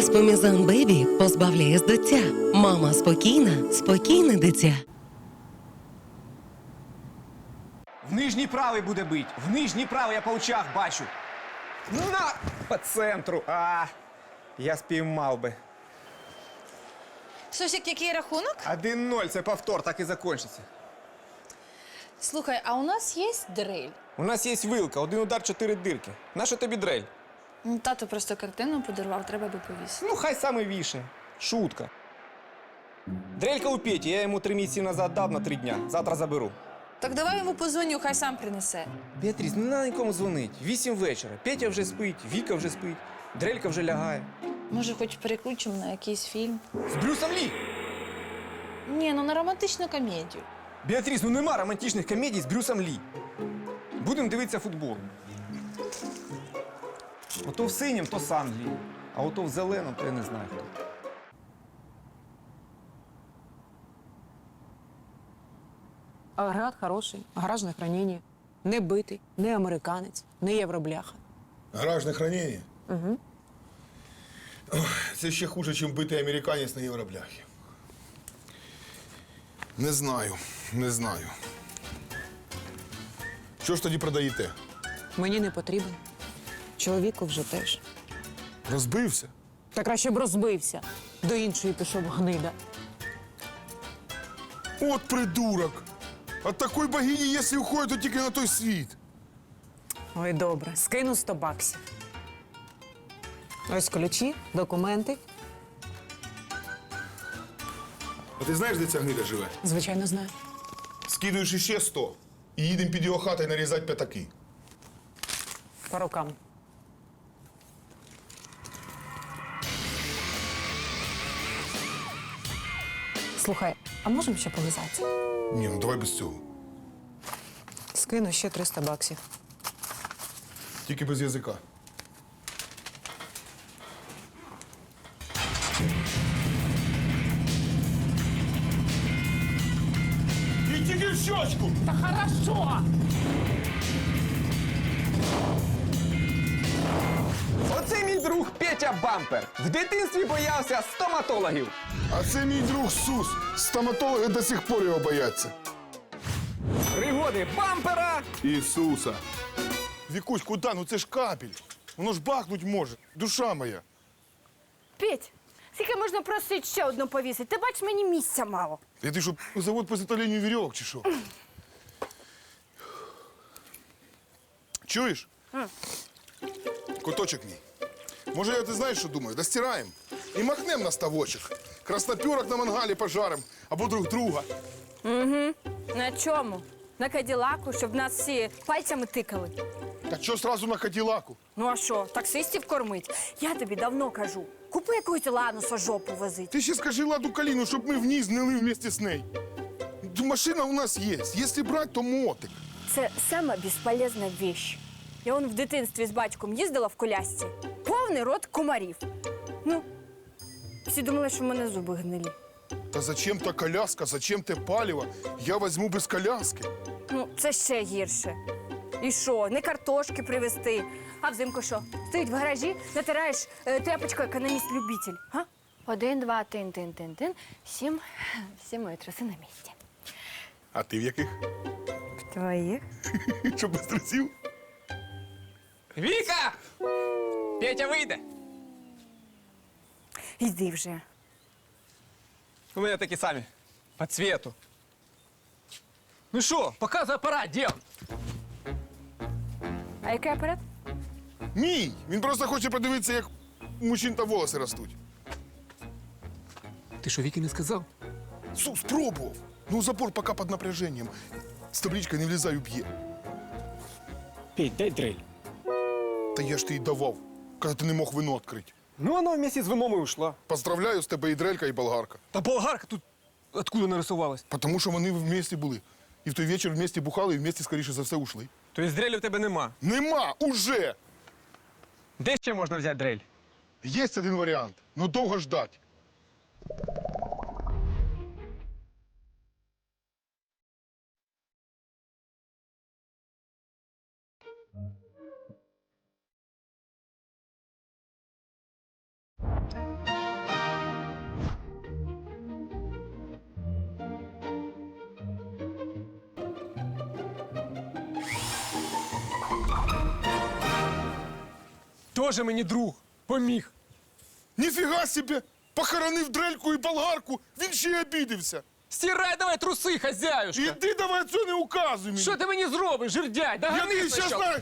Еспомізан Бебі позбавляє з дитя. Мама спокійна, спокійне дитя. В нижній правий буде бить. В нижній правий я по очах бачу. На! По центру. Я спіймав би. Сусік, який рахунок? 1-0, це повтор, так і закінчиться. Слухай, а у нас є дрель? У нас є вилка, 1 удар, 4 дирки. Нащо тобі дрель? Ну, тато просто картину подарував, треба би повісити. Ну, хай саме вішає. Шутка. Дрелька у Петі, я йому 3 місяці назад дав на 3 дня. Завтра заберу. Так давай йому позвоню, хай сам принесе. Біатріс, не треба нікому дзвонити. 8 вечора. Петя вже спить, Віка вже спить, Дрелька вже лягає. Може, хоч переключимо на якийсь фільм? З Брюсом Лі! Ні, ну на романтичну комедію. Біатріс, ну нема романтичних комедій з Брюсом Лі. Будемо дивитися футбол. Ото в синім, то з Англії. А ото в зеленому, то я не знаю хто. Агрегат хороший, гаражне хранення. Не битий, не американець, не євробляха. Гаражне хранення? Угу. Це ще хуже, ніж битий американець на євробляхі. Не знаю. Що ж тоді продаєте? Мені не потрібен. Чоловіку вже теж. Розбився? Та краще б розбився. До іншої пішов гнида. От придурок! От такої богині, якщо уходить, то тільки на той світ. Ой, добре, скину 100 баксів. Ось ключі, документи. А ти знаєш, де ця гнида живе? Звичайно, знаю. Скидуєш іще 100 і їдемо під його хатою нарізати п'ятаки. По рукам. Слухай, а можемо ще полизатися? Ні, ну давай без цього. Скину ще 300 баксів. Тільки без язика. І тільки в щочку! Та хорошо! Оце мій друг Петя Бампер. В дитинстві боявся стоматологів. А це мій друг Сус. Стоматологи до сих пор його бояться. Пригоди Бампера. Ісуса. Вікусь, куди? Ну це ж капель. Воно ж бахнуть може. Душа моя. Петь, скільки можна просити ще одну повісити? Ти бачиш, мені місця мало. Я ти що, завод по изготовлению вірьовок чи що? Чуєш? Коточок мій. Може, я ти знаєш, що думаю? Достираємо і махнем на ставочок. Красноперок на мангалі пожарим або друг друга. На чому? На каділаку, щоб нас всі пальцями тикали. Так що сразу на каділаку? Ну а що, таксистів кормить? Я тобі давно кажу. Купи якусь лануса жопу возить. Ти ще скажи Ладу Каліну, щоб ми вниз гнили вместе з нею. Машина у нас є. Якщо брати, то мотик. Це сама безполезна вещь. Я вон в дитинстві з батьком їздила в колясці. Повний рот комарів. Ну, всі думали, що в мене зуби гнилі. Та зачем та коляска, зачем те паліво? Я візьму без коляски. Ну, це ще гірше. І що, не картошки привезти, а взимку що? Стоїть в гаражі, натираєш тряпочкою економіст-любитель. Га? 1, 2, тин. 7 мої труси на місці. А ти в яких? Твоїх? Що без трусів? Віка! Петя вийде. Йди вже. У мене такі самі. По цвету. Ну що, показуй апарат, дід. А який апарат? Мій! Він просто хоче подивитися, як у мужчин та волоси ростуть. Ти що, Віки не сказав? Сус, пробував. Ну, запор поки під напряженням. З табличкою не влізай, уб'є. Петь, дай дрель. Та я ж ти й давав, коли ти не мог вино відкрити. Ну, вона вместе з вином і ушла. Поздравляю, з тебе і дрелька, і болгарка. Та болгарка тут откуда нарисувалась? Тому що вони вместе були. І в той вечір вместе бухали, і вместе, скоріше за все, ушли. Тобто дрелі в тебе нема. Нема! Уже! Де ще можна взяти дрель? Є один варіант, но довго ждать. Тоже мені друг. Поміг. Ніфіга собі! Похоронив дрельку і болгарку, він ще й обідився. Стирай давай труси, хазяюшка. Іди давай це не указуй мені. Що ти мені зробиш, жердяй? Я Догани тобі щас спочатку. знаю.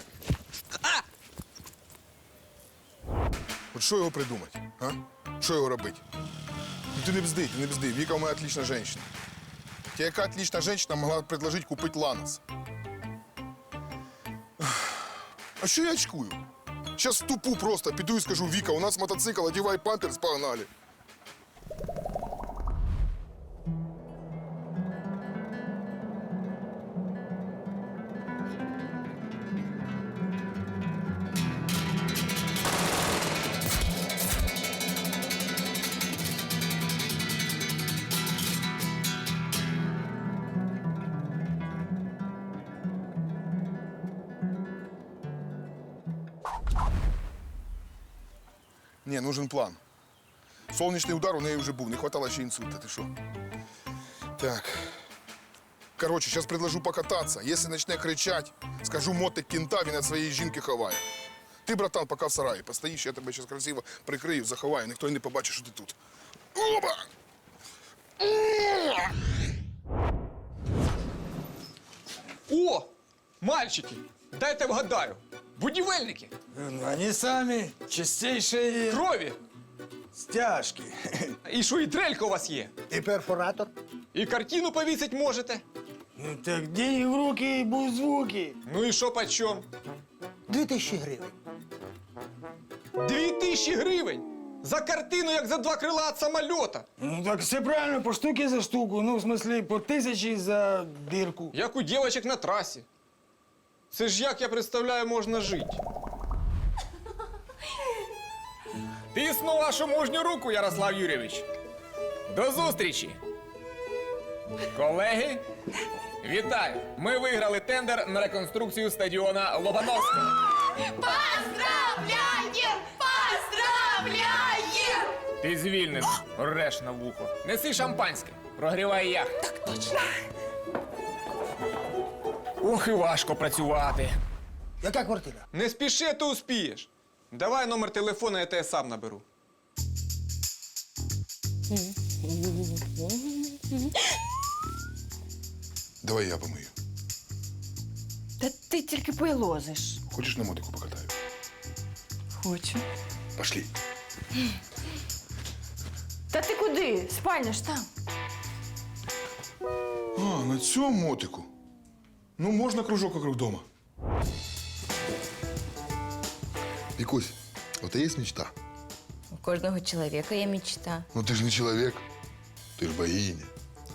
От що його придумати, а? Що його робити? Ну ти не бзди, ти не бзди. Віка у мене отлична жінка. Тебе яка отлична жінка могла предложити купити Ланос? А що я очкую? Сейчас тупу просто, піду і скажу, Віка, у нас мотоцикл, одівай памперс, погнали. Не, нужен план. Солнечный удар у неї вже був, не хватало ще інсульта, ти що? Так. Короче, сейчас предложу покататься. Если начне кричать, скажу мотик кінта, він від своєї жінки ховає. Ти, братан, поки в сараї постоїш, я тебе зараз красиво прикрию, заховаю, ніхто й не побачить, що ти тут. Оба! О, мальчики, дайте вгадаю. Будівельники. Они сами чистейшие Крові. стяжки. І що, і дрелька у вас є? И перфоратор. І картину повісить можете. Ну так деньги в руки и будут звуки. Ну і що почем? 2000 гривень. 2000 гривень? За картину, як за 2 крила від самольота. Ну так все правильно, по штуке за штуку. Ну, в смысле, по 1000 за дырку. Як у дівчаток на трасі. Це ж як я представляю, можна жити. Тисну вашу мужню руку, Ярослав Юрійович. До зустрічі. Колеги, вітаю. Ми виграли тендер на реконструкцію стадіона Лобановського. Поздравляем! Поздравляем! Ти звільнений, реш на вухо. Неси шампанське, прогрівай яхту. Так точно. Ох, і важко працювати. Яка квартира? Не спіши, ти успієш. Давай номер телефону, я тебе сам наберу. Давай я помию. Та ти тільки пойлозиш. Хочеш на мотику покатаю? Хочу. Пошли. Та ти куди? Спальня ж там. А, на цьому мотику. Ну, можна кружок вокруг дома. Вікусь, у тебе є мечта? У кожного чоловіка є мечта. Ну ти ж не чоловік, ти ж богиня.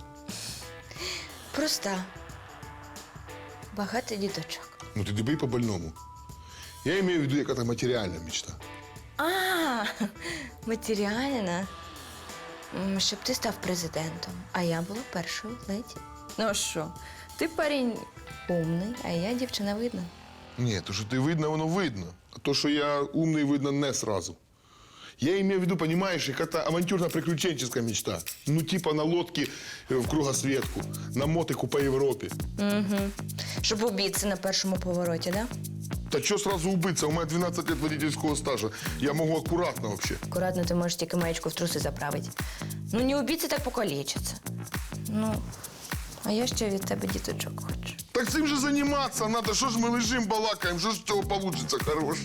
Проста. Багато діточок. Ну ти дебий по-больному. Я маю в виду, яка-то матеріальна мечта. А, матеріальна. Щоб ти став президентом, а я була першою леді. Ну а що, ти парень умний, а я дівчина видна. Ні, то, що ти видно, воно видно. А то, що я умний, видно не сразу. Я имею в виду, понимаешь, какая-то авантюрно-приключенческая мечта. Ну, типа на лодке в кругосветку, на мотику по Європі. Щоб убитися на першому повороті, да? Та що сразу убиться? У мене 12 лет водительського стажа. Я можу акуратно вообще. Акуратно ти можеш тільки маєчку в труси заправити. Ну, не убитися, так покалічиться. Ну, а я ще від тебе діточок хочу. Так цим же займатися треба. Що ж ми лежимо, балакаємо, що ж з цього получиться хороше?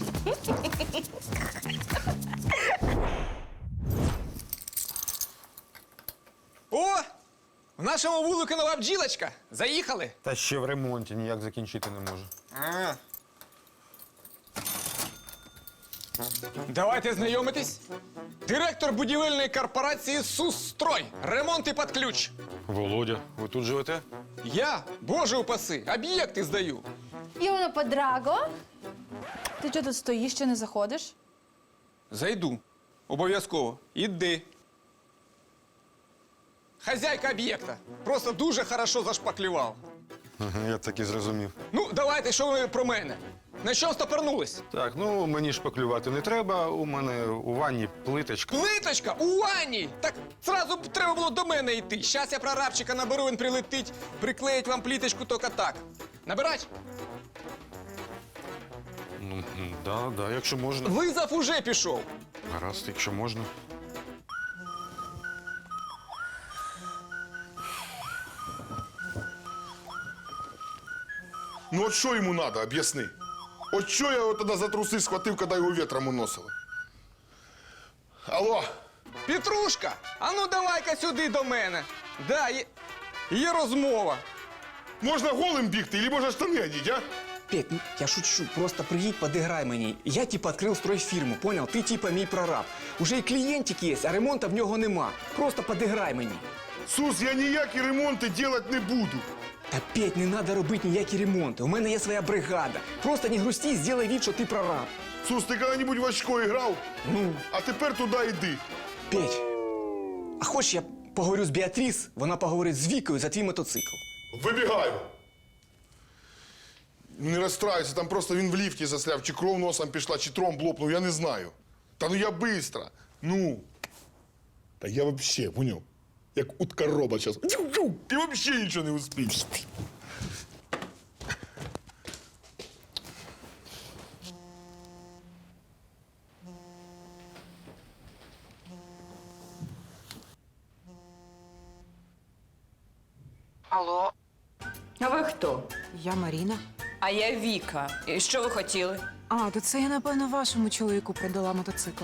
О! В нашому вулику нова бджілочка. Заїхали. Та ще в ремонті ніяк закінчити не може. Давайте знайомитись. Директор будівельної корпорації «Сусстрой». Ремонт і під ключ. Володя, ви тут живете? Я, боже упаси, об'єкти здаю. Івано Подраго. Ти чого тут стоїш, ще не заходиш? Зайду. Обов'язково. Іди. Хазяйка об'єкта. Просто дуже хорошо зашпаклював. Ага, я так і зрозумів. Ну, давайте, що ви про мене? На що стопорнулись? Так, ну мені шпаклювати не треба. У мене у ванні плиточка. Плиточка у ванні! Так зразу б треба було до мене йти. Щас я прорабчика наберу, він прилетить, приклеїть вам плиточку тільки так. Набирать? Ну, Да, якщо можна. Визов уже пішов. Гаразд, якщо можна. Ну от що йому треба, об'ясни. От що я його тоді за труси схватив, коли його вітром уносило? Алло, Петрушка, а ну давай-ка сюди до мене. Да, є розмова. можна голим бігти, або можна штани одіть, а? Петь, ну я шучу, просто приїдь, подиграй мені. Я типа відкрив стройфірму, понял? Ти типа мій прораб. Уже і клієнтик є, а ремонту в нього нема. Просто подиграй мені. Сус, я ніякі ремонти робити не буду. Та Петь, не треба робити ніякі ремонти. У мене є своя бригада. Просто не грусти, зроби вид, що ти прораб. Сус, ти коли-небудь в очко грав? Ну, А тепер туди йди. Петь, а хочеш я поговорю з Біатріс, вона поговорить з Вікою за твій мотоцикл. Вибігаю. Не розстраюйся, там просто він в ліфті засляв, чи кров носом пішла, чи тромб лопнув, я не знаю. Та ну я быстро. Ну. Та я вообще, поняв, як утка роба зараз. І вообще нічого не успієш. Алло, А ви хто? я Маріна. А я Віка. І що ви хотіли? А, то це я, напевно, вашому чоловіку придала мотоцикл.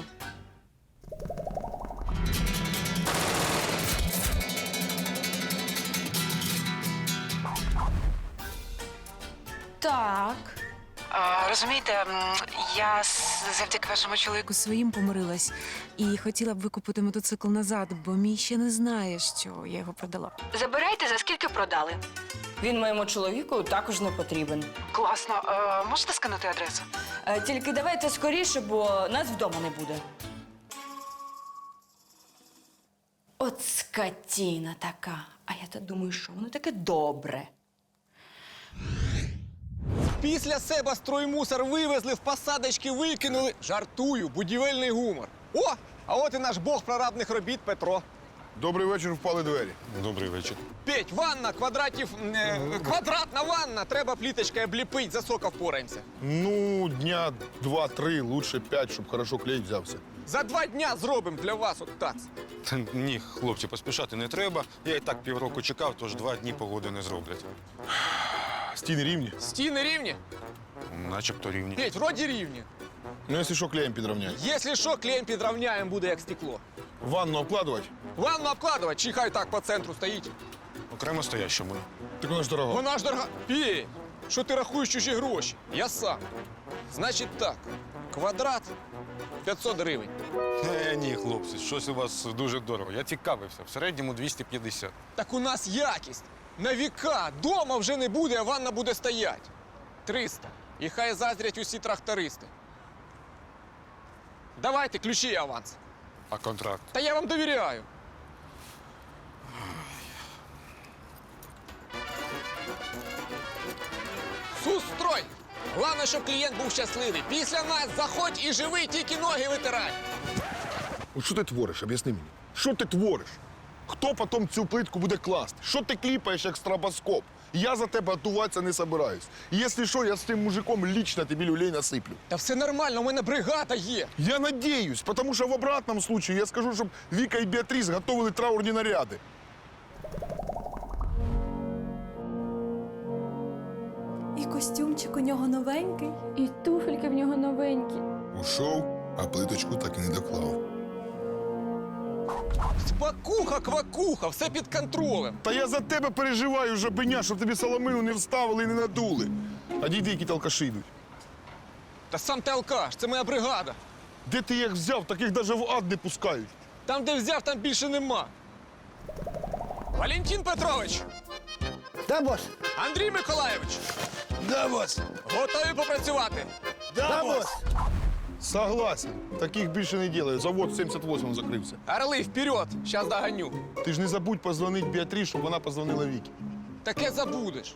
Так. Розумієте, я завдяки вашому чоловіку своїм помирилась і хотіла б викупити мотоцикл назад, бо мій ще не знає, що я його продала. Забирайте, за скільки продали. Він моєму чоловіку також не потрібен. Класно. Можете скинути адресу? Тільки давайте скоріше, бо нас вдома не буде. От скотіна така. А я то думаю, що воно таке добре. Після себе строймусор вивезли, в посадочки викинули. Жартую, будівельний гумор. О, а от і наш бог прорабних робіт Петро. Добрий вечір, впали двері. Добрий вечір. Петь, ванна, квадратна ванна. Треба пліточкою обліпить, за сока впораємося. Ну, дня 2-3, лучше 5, щоб хорошо клей взявся. За 2 дня зробимо для вас от так. Та ні, хлопці, поспішати не треба. Я і так півроку чекав, тож 2 дні погоди не зроблять. Стіни рівні? Стіни рівні? Начебто рівні. Петь, вроді рівні. Ну, якщо що, клеєм підрівняй. Якщо що, клеєм підравняємо, буде як стекло. Ванну обкладувати? Ванну обкладувати, чи хай так по центру стоїть. Окремо стоящому. Так вона ж дорога. Вона ж дорога. Петь, що ти рахуєш чужі гроші? Я сам. Значить так, квадрат 500 гривень. Ні, хлопці, щось у вас дуже дорого. Я цікавився. В середньому 250. Так у нас якість. На віка. Дома вже не буде, а ванна буде стоять. 300. І хай заздрять усі трактористи. Давайте ключі і аванс. А контракт? Та я вам довіряю. Сустрой! Головне, щоб клієнт був щасливий. Після нас заходь і живи, тільки ноги витирай. От що ти твориш, об'ясни мені. Що ти твориш? Хто потім цю плитку буде класти? Що ти кліпаєш, як стробоскоп? Я за тебе готуватися не собираюсь. І якщо що, я з цим мужиком лично тобі люлей насиплю. Та все нормально, у мене бригада є. Я надеюсь, потому что в обратном случае я скажу, чтобы Вика и Беатрис готовили траурні наряди. І костюмчик у нього новенький. І туфельки в нього новенькі. Ушов, а плиточку так і не доклав. Спакуха, квакуха, все під контролем. Та я за тебе переживаю, жабеня, щоб тобі соломину не вставили і не надули. А дійди, які алкаші йдуть. Та сам ти алкаш, це моя бригада. Де ти їх взяв, таких навіть в ад не пускають. Там, де взяв, там більше нема. Валентин Петрович! Да, бос. Андрій Миколайович! Да, бос. Готові попрацювати? Да, бос. Согласен. Таких більше не делают. Завод 78 закрився. Орли, вперед! Щас доганю. Ти ж не забудь позвонити Беатрис, щоб вона позвонила Вікі. Таке забудеш.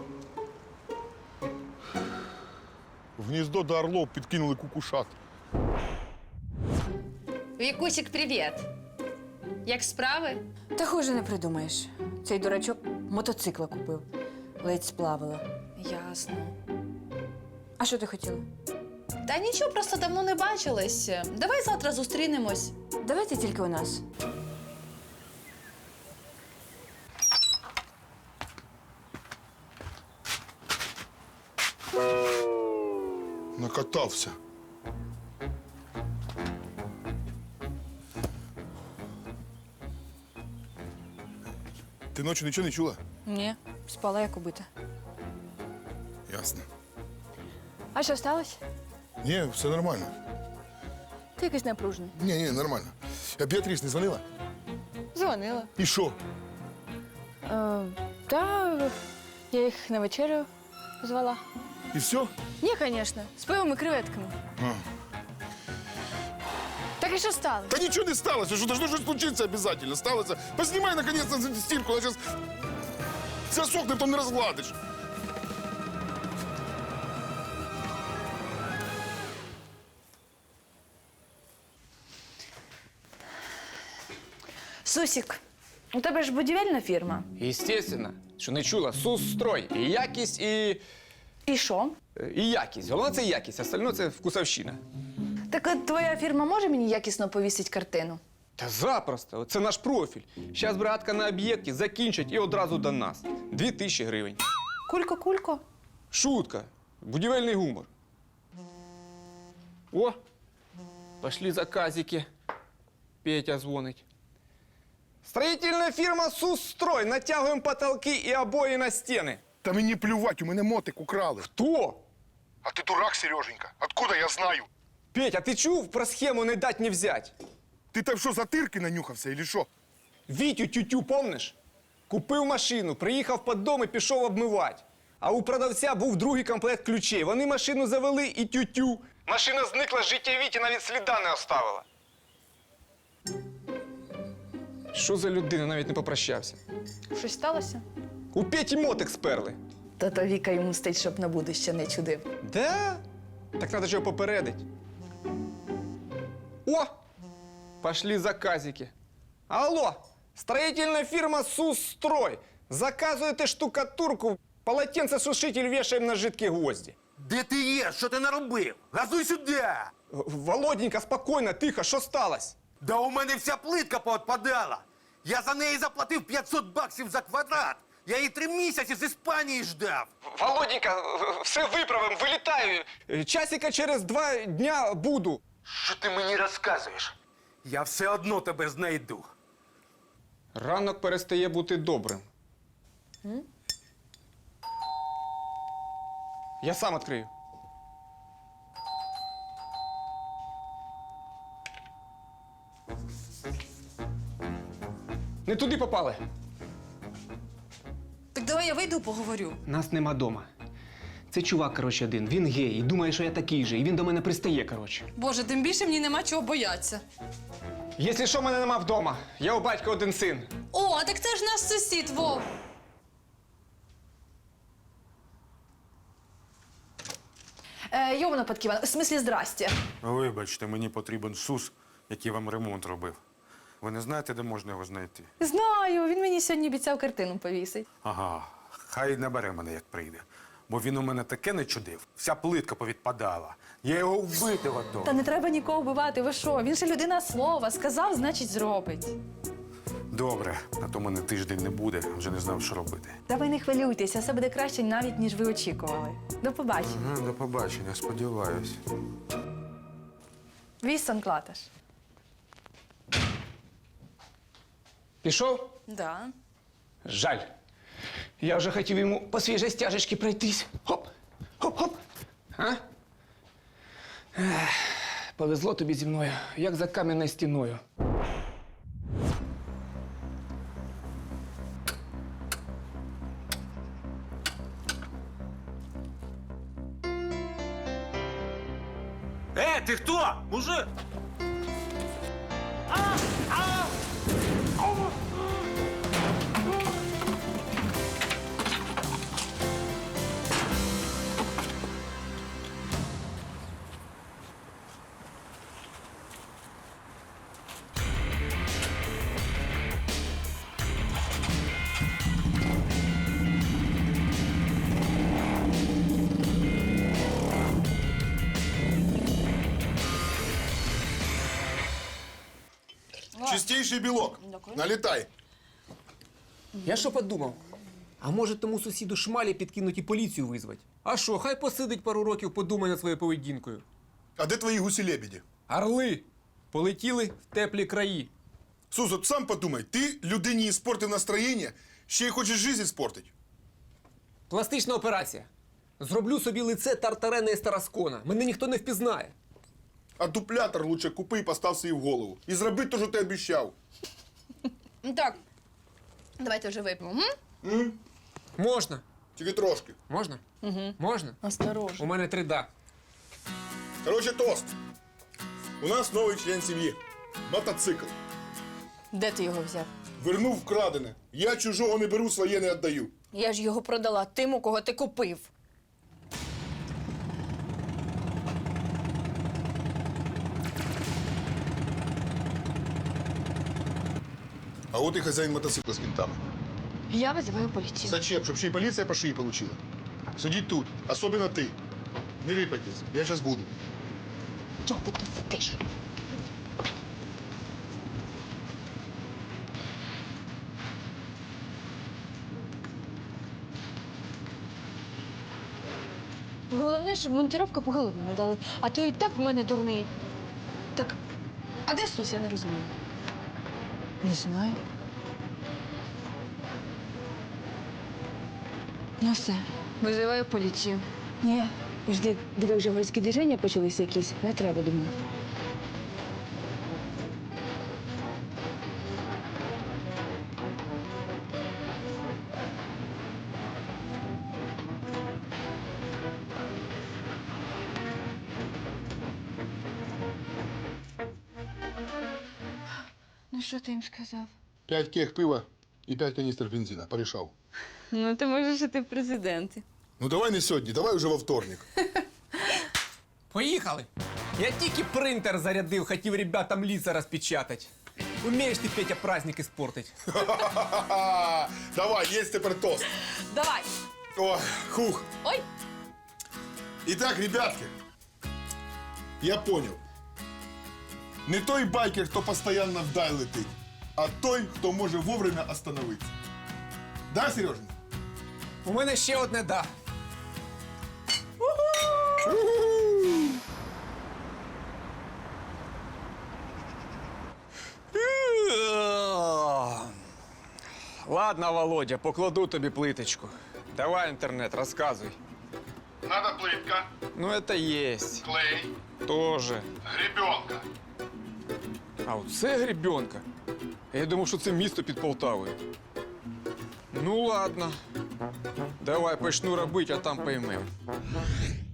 В гніздо до орлов підкинули кукушат. Вікусік, привіт. Як справи? Та хуже не придумаєш. Цей дурачок мотоцикла купив. Ледь сплавила. Ясно. А що ти хотіла? Та нічого, просто давно не бачились. Давай завтра зустрінемось. Давайте тільки у нас. Накатався. Ти ночі нічого не чула? Ні, спала як убита. Ясно. А що сталося? Ні, все нормально. Ти якийсь напружений. Ні, нормально. А Біатріс не дзвонила? Дзвонила. І що? Та я їх на вечерю звала. І все? Ні, звісно, з пивом і креветками. Так і що сталося? Та нічого не сталося, що должно щось случитися обов'язково. Сталося. Познімай, наконец-то, стірку, вона зараз засохне, то не розгладиш. Сусік, у тебе ж будівельна фірма. Естественно, що не чула. Сусстрой. І якість, І що? і якість. Головне це якість, остальне це вкусовщина. Так от твоя фірма може мені якісно повісити картину? Та запросто, це наш профіль. Зараз бригадка на об'єкті закінчить і одразу до нас. 2000 гривень. Кулько-кулько. Шутка. Будівельний гумор. О, пошли заказики. Петя дзвонить. Строительная фирма «Сусстрой». Натягиваем потолки и обои на стены. Та мені плювать, у мене мотик украли. Кто? А ти дурак, Сереженька? Откуда я знаю? Петя, ты чув про схему «не дать не взять»? Ти там що, затирки нанюхався, или що? Вітю тютю, помниш? Купив машину, приїхав під дом і пішов обмивати. А у продавця був другий комплект ключей. Вони машину завели і тютю. Машина зникла з життя Віті, навіть сліда не оставила. Що за людина, навіть не попрощався. Щось сталося? У Петі мотик сперли. То Віка йому мстить, щоб на будуще не чудив. Да? Так треба ж його попередить. О! Пошли заказики. Алло! Строительная фирма «Сусстрой». Заказуєте штукатурку, полотенцесушитель вешаем на жидкі гвозді. Де ти є? Що ти наробив? Газуй сюди! Володенька, спокійно, тихо, що сталося? Да у мене вся плитка поотпадала. Я за неї заплатив $500 за квадрат. Я її 3 місяці з Іспанії ждав. Володенька, все виправим, вилітаю. Часика через 2 дня буду. Що ти мені розказуєш? Я все одно тебе знайду. Ранок перестає бути добрим. Я сам відкрию. Не туди попали. Так давай я вийду, поговорю. Нас нема дома. Це чувак, коротше, один. Він гей і думає, що я такий же. І він до мене пристає, коротше. Боже, тим більше мені нема чого боятися. Якщо що, мене нема вдома. Я у батька один син. О, так це ж наш сусід, Вов. Йована Патківна, в смислі, здрасте. Вибачте, мені потрібен СУС, який вам ремонт робив. Ви не знаєте, де можна його знайти? Знаю, він мені сьогодні обіцяв картину повісить. Ага, хай набере мене, як прийде. Бо він у мене таке не чудив, вся плитка повідпадала. Я його вбити готов. Та не треба нікого вбивати, ви що? Він же людина слова. Сказав, значить зробить. Добре, а то мене тиждень не буде, вже не знав, що робити. Та ви не хвилюйтеся, все буде краще навіть, ніж ви очікували. До побачення. Ага, до побачення, сподіваюсь. Вісон Клаташ. Пішов? Да. Жаль. Я вже хотів йому по свіжій стяжечці пройтись. Хоп, хоп-хоп. А? Ех, повезло тобі зі мною, як за кам'яною стіною. Ти хто? Мужик? Чистейший белок. Налетай. Я що подумав? А може тому сусіду шмалі підкинуть і поліцію визвать? А що, хай посидить пару років, подумає над своєю поведінкою. А де твої гусі-лебеді? Орли полетіли в теплі краї. Сус, от сам подумай, ти людині іспортив настроєння, ще й хочеш життя іспортити. Пластична операція. Зроблю собі лице Тартарена із Тараскона. Мене ніхто не впізнає. А дуплятор лучше купи і постав собі в голову. І зроби те, що ти обіцяв. Так, давайте вже вип'ємо. Можна. Тільки трошки. Можна? Угу. Можна? Осторожно. У мене 3 Короче, тост. У нас новий член сім'ї. Мотоцикл. Де ти його взяв? Вернув вкрадене. Я чужого не беру, своє не віддаю. Я ж його продала тим, у кого ти купив. А от і хазяїн мотоцикла з кінтами. Я визиваю поліцію. Зачем? Щоб ще й поліція по шиї получила. Сидіть тут, особливо ти. Не рипайтесь, я зараз буду. Чого ти тут сидиш? Головне, щоб монтировка по голові не дала. А то і так в мене дурний. Так, а де Сус, я не розумію. Не знаю. Ну все, визиваю поліцію. Ні. Жди, диви, вже горські движення почалися якісь. Не треба, думаю. Ну що ти їм сказав? 5 кег пива і 5 каністр бензина. Порішав. Ну, ти можеш іти в президенти. Ну давай не сьогодні, давай вже во вторник. Поїхали. Я тільки принтер зарядив, хотів ребятам лица розпечатати. Умієш ти, Петя, праздник іспортить. Ха-ха-ха! Давай, є тепер тост. Давай. Ой, хух. Ой. Итак, ребятки, я понял. Не той байкер, хто постійно вдаль летить, а той, хто може вовремя остановитися. Да, Сережа? У мене ще одне да. Ладно, Володя, покладу тобі плиточку. Давай інтернет, розказуй. Надо плитка, Ну, это есть. клей, Тоже. гребенка. А оце гребенка. Я думав, що це місто під Полтавою. Ну ладно. Давай почну робити, а там поймем.